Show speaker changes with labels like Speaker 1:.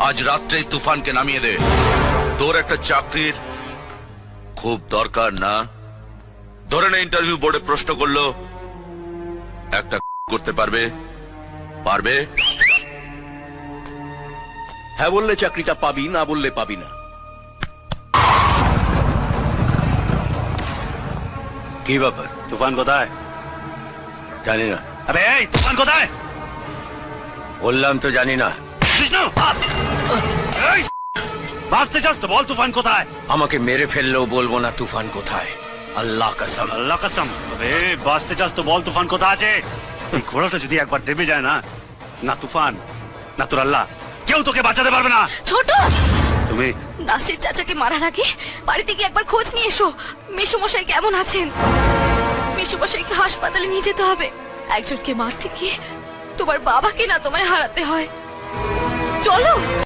Speaker 1: আজ রাত্রেই তুফানকে নামিয়ে দে। তোর একটা চাকরির খুব দরকার না? ধরে নে ইন্টারভিউ বোর্ডে প্রশ্ন করলো, একটা করতে পারবে? পারবে?
Speaker 2: হ্যাঁ বললে চাকরিটা পাবি, না বললে পাবি না।
Speaker 1: কি ব্যাপার?
Speaker 2: তুফান কোথায়?
Speaker 1: জানি না।
Speaker 2: আবে এই তুফান কোথায়?
Speaker 1: বললাম তো জানি না।
Speaker 2: বিষ্ণু এই বাঁচতে চাস তো বল তুফান কোথায়?
Speaker 1: আমাকে মেরে ফেললেও বলবো না তুফান কোথায়। আল্লাহ কসম।
Speaker 2: আল্লাহ কসম। আবে বাঁচতে চাস তো বল তুফান কোথায় আছে? এই ঘোড়াটা যদি একবার দেবে যায় না, না তুফান না তোর আল্লাহ কেউ তোকে বাঁচাতে পারবে না।
Speaker 3: ছোট,
Speaker 2: তুমি
Speaker 3: নাসির চাচাকে মারার আগে বাড়িতে গিয়ে একবার খোঁজ নিয়ে এসো। মেসোমশাই কেমন আছেন? মেসোমশাইকে হাসপাতালে নিয়ে যেতে হবে। একজনকে মারতে গিয়ে তোমার বাবাকে না তোমায় হারাতে হয়। চলো।